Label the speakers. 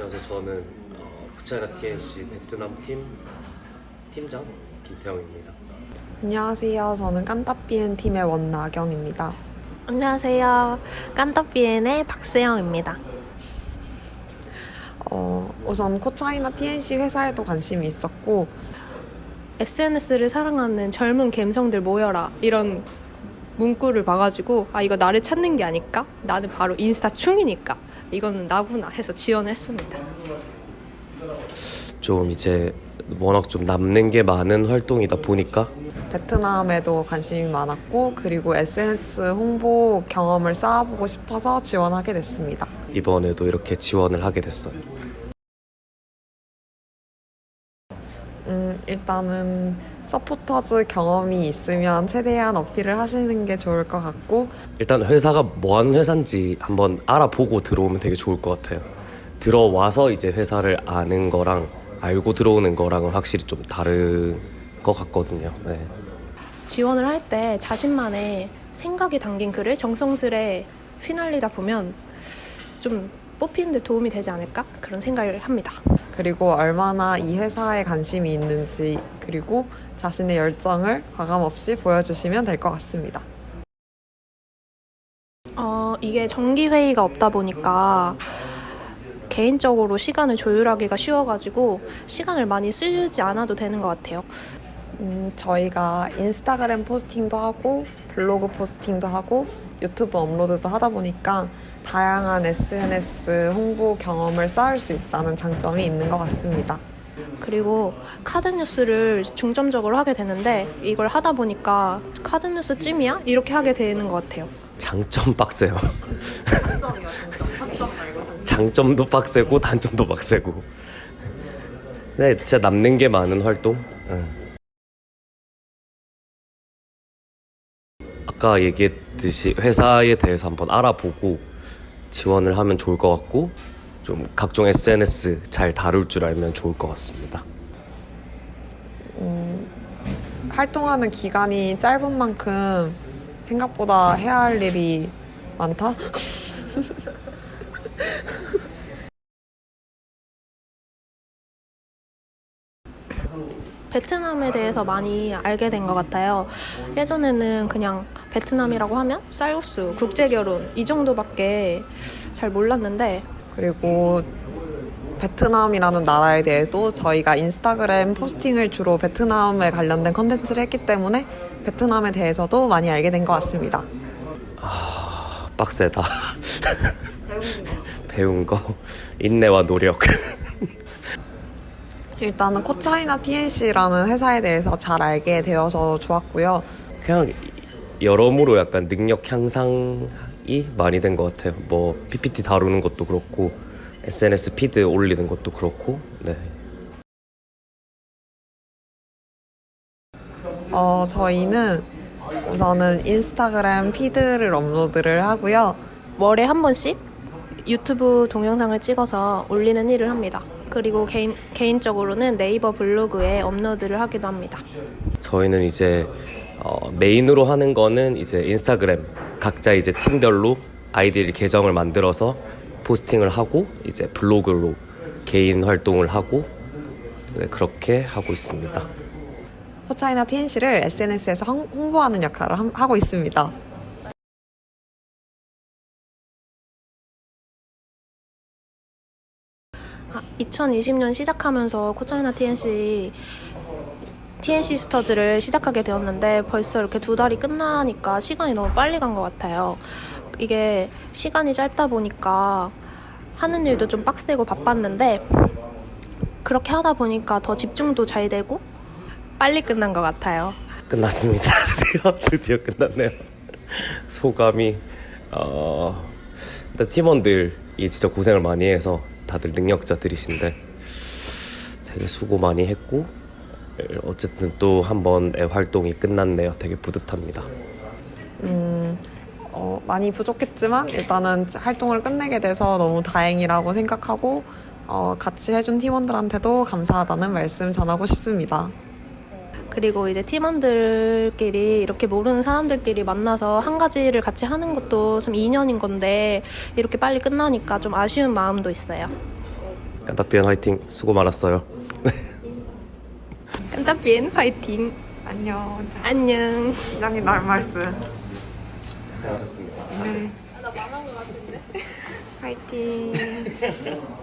Speaker 1: 안녕하세요. 저는 푸차이나 TNC 베트남 팀 팀장 김태형입니다.
Speaker 2: 안녕하세요. 저는 깐따비엔 팀의 원나경입니다.
Speaker 3: 안녕하세요. 깐따비엔의 박세영입니다.
Speaker 2: 우선 코차이나 TNC 회사에도 관심이 있었고
Speaker 3: SNS를 사랑하는 젊은 갬성들 모여라 이런 문구를 봐가지고 이거 나를 찾는 게 아닐까? 나는 바로 인스타 충이니까 이거는 나구나 해서 지원을 했습니다.
Speaker 1: 좀 이제 워낙 좀 남는 게 많은 활동이다 보니까
Speaker 2: 베트남에도 관심이 많았고 그리고 SNS 홍보 경험을 쌓아보고 싶어서 지원하게 됐습니다.
Speaker 1: 이번에도 이렇게 지원을 하게 됐어요.
Speaker 2: 일단은 서포터즈 경험이 있으면 최대한 어필을 하시는 게 좋을 것 같고
Speaker 1: 일단 회사가 뭐 하는 회사인지 한번 알아보고 들어오면 되게 좋을 것 같아요. 들어와서 이제 회사를 아는 거랑 알고 들어오는 거랑은 확실히 좀 다른 것 같거든요. 네.
Speaker 3: 지원을 할 때 자신만의 생각이 담긴 글을 정성스레 휘날리다 보면 좀 뽑히는 데 도움이 되지 않을까? 그런 생각을 합니다.
Speaker 2: 그리고 얼마나 이 회사에 관심이 있는지 그리고 자신의 열정을 과감없이 보여주시면 될 것 같습니다.
Speaker 3: 이게 정기회의가 없다 보니까 개인적으로 시간을 조율하기가 쉬워가지고 시간을 많이 쓰지 않아도 되는 것 같아요.
Speaker 2: 저희가 인스타그램 포스팅도 하고 블로그 포스팅도 하고 유튜브 업로드도 하다 보니까 다양한 SNS 홍보 경험을 쌓을 수 있다는 장점이 있는 것 같습니다.
Speaker 3: 그리고 카드뉴스를 중점적으로 하게 되는데 이걸 하다 보니까 카드뉴스 찜이야? 이렇게 하게 되는 것 같아요.
Speaker 1: 장점 빡세요. 장점도 빡세고 단점도 빡세고. 네, 진짜 남는 게 많은 활동. 아까 얘기했듯이 회사에 대해서 한번 알아보고 지원을 하면 좋을 것 같고 좀 각종 SNS 잘 다룰 줄 알면 좋을 것 같습니다.
Speaker 2: 활동하는 기간이 짧은 만큼 생각보다 해야 할 일이 많다?
Speaker 3: 베트남에 대해서 많이 알게 된 것 같아요. 예전에는 그냥 베트남이라고 하면 쌀국수, 국제결혼 이 정도밖에 잘 몰랐는데
Speaker 2: 그리고 베트남이라는 나라에 대해서 저희가 인스타그램 포스팅을 주로 베트남에 관련된 컨텐츠를 했기 때문에 베트남에 대해서도 많이 알게 된 것 같습니다.
Speaker 1: 빡세다. 배운 거 인내와 노력.
Speaker 2: 일단은 코차이나 TNC라는 회사에 대해서 잘 알게 되어서 좋았고요.
Speaker 1: 그냥 여러모로 약간 능력 향상이 많이 된 것 같아요. 뭐 PPT 다루는 것도 그렇고 SNS 피드 올리는 것도 그렇고. 네.
Speaker 2: 저희는 우선은 인스타그램 피드를 업로드를 하고요.
Speaker 3: 월에 한 번씩 유튜브 동영상을 찍어서 올리는 일을 합니다. 그리고 개인적으로는 네이버 블로그에 업로드를 하기도 합니다.
Speaker 1: 저희는 이제 메인으로 하는 거는 이제 인스타그램 각자 이제 팀별로 아이디 계정을 만들어서 포스팅을 하고 이제 블로그로 개인 활동을 하고 네, 그렇게 하고 있습니다.
Speaker 2: 코차이나 TNC를 SNS에서 홍보하는 역할을 하고 있습니다.
Speaker 3: 2020년 시작하면서 코차이나 TNC 스터즈를 시작하게 되었는데 벌써 이렇게 2달이 끝나니까 시간이 너무 빨리 간 것 같아요. 이게 시간이 짧다 보니까 하는 일도 좀 빡세고 바빴는데 그렇게 하다 보니까 더 집중도 잘 되고 빨리 끝난 것 같아요.
Speaker 1: 끝났습니다. 드디어 끝났네요. 소감이 일단 팀원들이 진짜 고생을 많이 해서 다들 능력자들이신데 되게 수고 많이 했고 어쨌든 또 한 번의 활동이 끝났네요. 되게 뿌듯합니다.
Speaker 2: 많이 부족했지만 일단은 활동을 끝내게 돼서 너무 다행이라고 생각하고 같이 해준 팀원들한테도 감사하다는 말씀 전하고 싶습니다.
Speaker 3: 그리고 이제 팀원들끼리 이렇게 모르는 사람들끼리 만나서 한 가지를 같이 하는 것도 좀 인연인 건데 이렇게 빨리 끝나니까 좀 아쉬운 마음도 있어요.
Speaker 1: 깐따비엔 화이팅. 수고 많았어요.
Speaker 3: 깐따비엔 화이팅.
Speaker 2: 안녕.
Speaker 3: 안녕.
Speaker 2: 굉장히 날 말씀.
Speaker 1: 고생하셨습니다.
Speaker 2: 네. 화이팅.